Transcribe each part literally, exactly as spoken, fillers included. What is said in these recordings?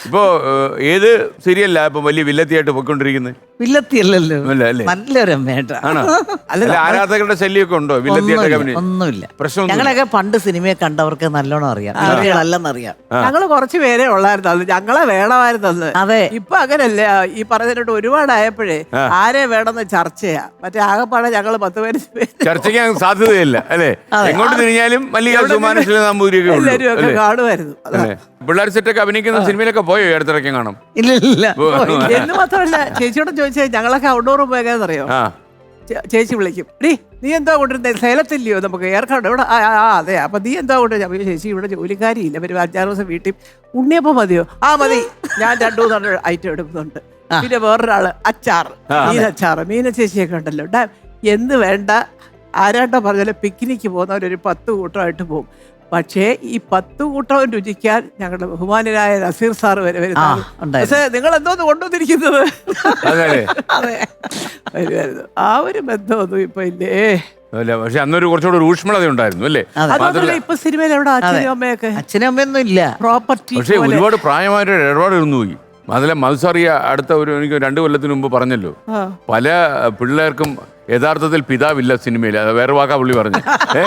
ഇപ്പോ ഏത് സീരിയലിലാ ഇപ്പൊ വലിയ വില്ലത്തിയായിട്ട് പോയിക്കൊണ്ടിരിക്കുന്നത്? വില്ലത്തിയല്ലല്ലോ, അല്ല അല്ലേ? നല്ലൊരു അമ്മയായിട്ടാ. അല്ല ആരാധകരുടെ ശല്യമൊക്കെ ഉണ്ടോ വില്ലത്തിയായിട്ട്? ഒന്നുമില്ല. പ്രശ്നം ഞങ്ങളൊക്കെ പണ്ട് സിനിമയെ കണ്ടവർക്ക് നല്ലോണം അറിയാം, അല്ലെന്നറിയാം. ഞങ്ങള് കുറച്ച് പേരെ ഉള്ളായിരുന്നു അന്ന്, ഞങ്ങളെ വേണമായിരുന്നു. അതെ, ഇപ്പൊ അങ്ങനല്ല. ഈ പറഞ്ഞിട്ട് ഒരുപാടായപ്പോഴേ ആരെ വേണമെന്ന് ചർച്ചയാ. മറ്റേ ആകെപ്പാടെ ഞങ്ങള് പത്ത് പേര് ചർച്ചയ്ക്ക് സാധ്യതയില്ല അല്ലേ? എങ്ങോട്ട് തിരിഞ്ഞാലും എല്ലാരും ഒക്കെ കാണുമായിരുന്നു. പിള്ളേർ സെറ്റൊക്കെ അഭിനയിക്കുന്ന സിനിമയിലൊക്കെ പോയോ അടുത്തിറക്കി കാണും? ഇല്ല ഇല്ല. എന്ന് മാത്രമല്ല, ചേച്ചിയോട് ചോദിച്ചാൽ ഞങ്ങളൊക്കെ ഔട്ട്ഡോർ പോയെന്നറിയോ, ചേച്ചി വിളിക്കും, ഡീ നീ എന്താ കൊണ്ടിരുന്നത്, സേലത്തില്ലയോ നമുക്ക് ഏർക്കാട് ഇവിടെ? ആ ആ അതെ. അപ്പൊ നീ എന്താ കൊണ്ടുവരുന്നത്? ചേച്ചി ഇവിടെ ജോലിക്കാരിയില്ല, ഒരു അഞ്ചാറ് ദിവസം വീട്ടിൽ ഉണ്ണിയപ്പം മതിയോ? ആ മതി, ഞാൻ രണ്ടു മൂന്ന് ഐറ്റം എടുക്കുന്നുണ്ട്. പിന്നെ വേറൊരാള് അച്ചാർ, മീനച്ചാറ്, മീന ചേച്ചിയൊക്കെ ഉണ്ടല്ലോ. ഡാ എന്ത് വേണ്ട, ആരാട്ടോ പറഞ്ഞാലും പിക്നിക്ക് പോകുന്നവരൊരു പത്ത് കൂട്ടമായിട്ട് പോകും. പക്ഷേ ഈ പത്ത് കൂട്ടം രുചിക്കാൻ ഞങ്ങളുടെ ബഹുമാനരായ നസീർ സാറ് വരെ വരുന്നത്. പക്ഷേ നിങ്ങൾ എന്തോന്ന് കൊണ്ടുവന്നിരിക്കുന്നത്? അതെ, വരുമായിരുന്നു. ആ ഒരു ബന്ധമൊന്നും ഇപ്പൊ ഇല്ലേ. പക്ഷെ അന്നൊരു കുറച്ചുകൂടെ ഊഷ്മളത ഉണ്ടായിരുന്നു അല്ലേ? അതുപോലെ ഇപ്പൊ സിനിമയിൽ എവിടെ അച്ഛനും അമ്മയൊക്കെ? അച്ഛനും അമ്മയൊന്നും ഇല്ല, പ്രോപ്പർട്ടി. പക്ഷെ ഒരുപാട് പ്രായമായിട്ട് ഇടപാട് ഇരുന്നു പോയി. അതിലെ മത്സറിയ അടുത്ത ഒരു എനിക്ക് രണ്ടു കൊല്ലത്തിന് മുമ്പ് പറഞ്ഞല്ലോ, പല പിള്ളേർക്കും യഥാർത്ഥത്തിൽ പിതാവില്ല സിനിമയിൽ. അത് വേറെ വാക്കാ പുള്ളി പറഞ്ഞു.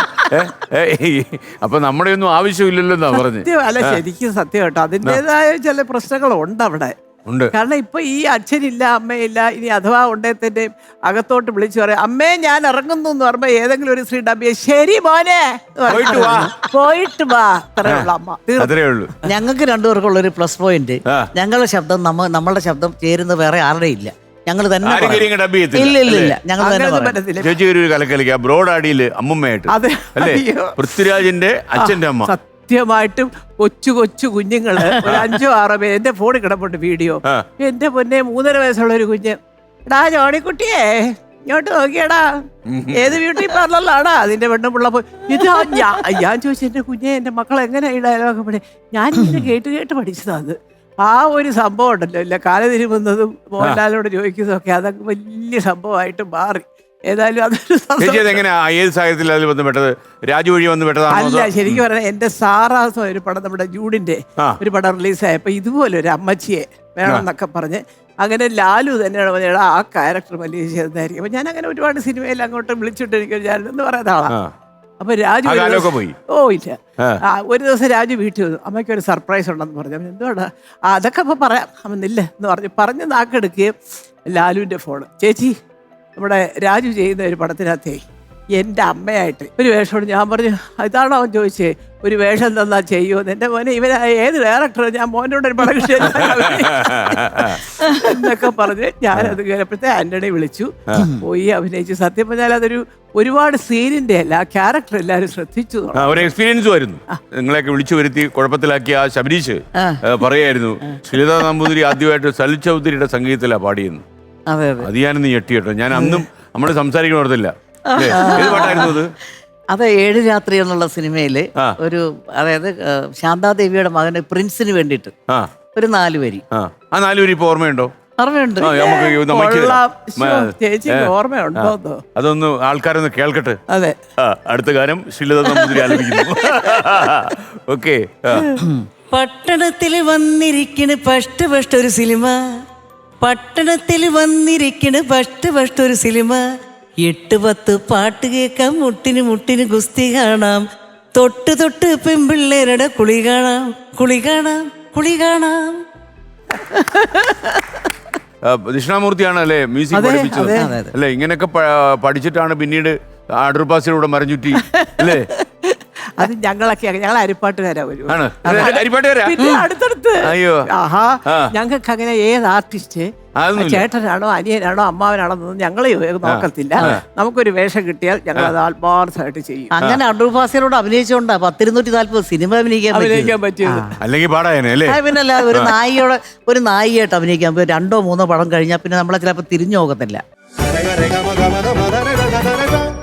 അപ്പൊ നമ്മുടെ ഒന്നും ആവശ്യമില്ലല്ലോ എന്നാ പറഞ്ഞു. അല്ല ശരിക്കും സത്യം കേട്ടോ, അതിൻ്റെതായ ചില പ്രശ്നങ്ങളുണ്ട് അവിടെ. കാരണം ഇപ്പൊ ഈ അച്ഛനില്ല അമ്മയില്ല, ഇനി അഥവാ ഉണ്ടേത്തിന്റെ അകത്തോട്ട് വിളിച്ചു പറയാം, അമ്മേ ഞാൻ ഇറങ്ങുന്നു എന്ന് പറയുമ്പോ ഏതെങ്കിലും ഒരു സ്ത്രീ ഡബിയെ ശരി മോനെ പോയിട്ട് വാ, അത്രയുള്ള അമ്മ. ഞങ്ങൾക്ക് രണ്ടുപേർക്കുള്ള ഒരു പ്ലസ് പോയിന്റ്, ഞങ്ങളുടെ ശബ്ദം നമ്മ നമ്മളുടെ ശബ്ദം ചേരുന്ന വേറെ ആരുടെ ഇല്ല. ഞങ്ങൾ തന്നെ ബ്രോഡാഡിയില് അമ്മൂമ്മയായിട്ട് അല്ലേ, പൃഥ്വിരാജിന്റെ അച്ഛന്റെ അമ്മ. സത്യമായിട്ടും കൊച്ചു കൊച്ചു കുഞ്ഞുങ്ങള് ഒരു അഞ്ചോ ആറോ പേര് എന്റെ ഫോണിൽ കിടപ്പുണ്ട് വീഡിയോ. എന്റെ പൊന്നെ മൂന്നര വയസ്സുള്ള ഒരു കുഞ്ഞ്, എടാ ജോണിക്കുട്ടിയേ ഇങ്ങോട്ട് നോക്കിയടാ, ഏത് ബ്യൂട്ടി പാർലറിലാടാ അതിന്റെ പെണ്ണും പിള്ള പോയി. ഇത് ഞാൻ ചോദിച്ചു, എന്റെ കുഞ്ഞെ എന്റെ മക്കൾ എങ്ങനെ ഈ ഡയലോഗ് പഠി? ഞാൻ ഇങ്ങനെ കേട്ട് കേട്ട് പഠിച്ചതാണ്. ആ ഒരു സംഭവം ഉണ്ടല്ലോ, ഇല്ല കാല തിരുമുന്നതും മോഹൻലാലിനോട് ചോദിക്കുന്നതും ഒക്കെ അതൊക്കെ വലിയ സംഭവമായിട്ട് മാറി. ഏതായാലും അതൊരു രാജു വഴി വന്ന് അല്ല, ശരിക്കും പറഞ്ഞാൽ എന്റെ സാറാസം ഒരു പടം നമ്മുടെ ജൂഡിന്റെ ഒരു പടം റിലീസായപ്പോ ഇതുപോലെ ഒരു അമ്മച്ചിയെ വേണം എന്നൊക്കെ പറഞ്ഞ് അങ്ങനെ ലാലു തന്നെയാണ് പറഞ്ഞാൽ ആ ക്യാരക്ടർ വലിയ ചെയ്തായിരിക്കും. അപ്പൊ ഞാൻ അങ്ങനെ ഒരുപാട് സിനിമയിൽ അങ്ങോട്ട് വിളിച്ചിട്ട് എനിക്ക് ഞാൻ എന്ന് പറയുന്ന ആളാ. അപ്പൊ രാജു ഓ ഇല്ല, ഒരു ദിവസം രാജു വീട്ടിൽ വന്നു, അമ്മയ്ക്ക് ഒരു സർപ്രൈസ് ഉണ്ടെന്ന് പറഞ്ഞു. എന്തുകൊണ്ടാ? അതൊക്കെ അപ്പൊ പറയാം അമ്മന്നില്ല എന്ന് പറഞ്ഞു പറഞ്ഞ് നാക്കെടുക്കുകയും ലാലുവിന്റെ ഫോണ്, ചേച്ചി നമ്മുടെ രാജു ചെയ്യുന്ന ഒരു പടത്തിനകത്തേ എൻ്റെ അമ്മയായിട്ട് ഒരു വേഷമാണ്. ഞാൻ പറഞ്ഞു ഇതാണോ അവൻ ചോദിച്ചേ, ഒരു വേഷം തന്നാ ചെയ്യുമെന്ന്. എൻ്റെ മോനെ ഇവൻ ഏത് ഡയറക്ടർ, ഞാൻ മോനോട് ഒരു പടം കിട്ടിയ എന്നൊക്കെ പറഞ്ഞ് ഞാനത് കയറപ്പോഴത്തെ ആന്റണി വിളിച്ചു, പോയി അഭിനയിച്ചു. സത്യം പറഞ്ഞാൽ അതൊരു ഒരുപാട് സീനിന്റെ അല്ല, ആ ക്യാരക്ടർ എല്ലാവരും ശ്രദ്ധിച്ചു. ഒരു എക്സ്പീരിയൻസും ആയിരുന്നു. നിങ്ങളെയൊക്കെ വിളിച്ചു വരുത്തി കുഴപ്പത്തിലാക്കിയ ആ ശബരീഷ് പറയായിരുന്നു, ശ്രീലത നമ്പൂതിരി ആദ്യമായിട്ട് സലിൽ ചൗധരിയുടെ സംഗീതത്തിലാണ് പാടിയെന്ന്. അത് ഞാനൊന്ന് ഞെട്ടി കേട്ടോ. ഞാൻ അന്നും നമ്മൾ സംസാരിക്കണ ഓർത്തില്ല. അത് ഏഴ് രാത്രി എന്നുള്ള സിനിമയില് ഒരു, അതായത് ശാന്താദേവിയുടെ മകന് പ്രിൻസിന് വേണ്ടിയിട്ട് ഒരു നാല് വരി. ആ നാല് വരി ഇപ്പൊ ഓർമ്മയുണ്ടോ? ഓർമ്മയുണ്ട്. അതൊന്ന് ആൾക്കാരൊന്ന് കേൾക്കട്ടെ. അതെ, അടുത്ത ഗാനം ശ്രീലത നമ്പൂതിരി ആലപിക്കുന്നു. ഓക്കെ. പട്ടണത്തിൽ വന്നിരിക്കണ് ഫസ്റ്റ് ഫസ്റ്റ് ഒരു സിനിമ, പട്ടണത്തിൽ വന്നിരിക്കണ് ഫസ്റ്റ് ഫസ്റ്റ് ഒരു സിനിമ, എട്ട് പത്ത് പാട്ട് കേൾക്കാം, മുട്ടിന് മുട്ടിന് ഗുസ്തി കാണാം, തൊട്ട് തൊട്ട് പെൺപിള്ളേരുടെ കുളി കാണാം, കുളി കാണാം, കുളി കാണാം. ദക്ഷിണാമൂർത്തിയാണ് അല്ലേ മ്യൂസിക് പഠിപ്പിച്ചത് അല്ലേ? ഇങ്ങനെയൊക്കെ പഠിച്ചിട്ടാണ് പിന്നീട് അടൂർപാസിലൂടെ മരഞ്ചുറ്റി അല്ലേ? അത് ഞങ്ങളൊക്കെ ഞങ്ങൾ അരിപ്പാട്ടുകാരാ വരും. പിന്നെ അടുത്തടുത്ത് ആഹാ ഞങ്ങൾക്ക് അങ്ങനെ ഏത് ആർട്ടിസ്റ്റ് ചേട്ടനാണോ അനിയനാണോ അമ്മാവനാണോ എന്നൊന്നും ഞങ്ങൾ നോക്കത്തില്ല. നമുക്കൊരു വേഷം കിട്ടിയാൽ ഞങ്ങൾ അത് ആത്മാർത്ഥമായിട്ട് ചെയ്യും. അങ്ങനെ അടൂർപാസിനോട് അഭിനയിച്ചോണ്ടാ പത്തിരുന്നൂറ്റി നാല്പത് സിനിമ അഭിനയിക്കാൻ അഭിനയിക്കാൻ പറ്റിയത്. അല്ലെങ്കിൽ പാടായല്ലേ? പിന്നല്ല, ഒരു നായികയോടെ ഒരു നായികയായിട്ട് അഭിനയിക്കാൻ പോയി രണ്ടോ മൂന്നോ പടം കഴിഞ്ഞാൽ പിന്നെ നമ്മളെ ചിലപ്പോൾ തിരിഞ്ഞു നോക്കത്തില്ല.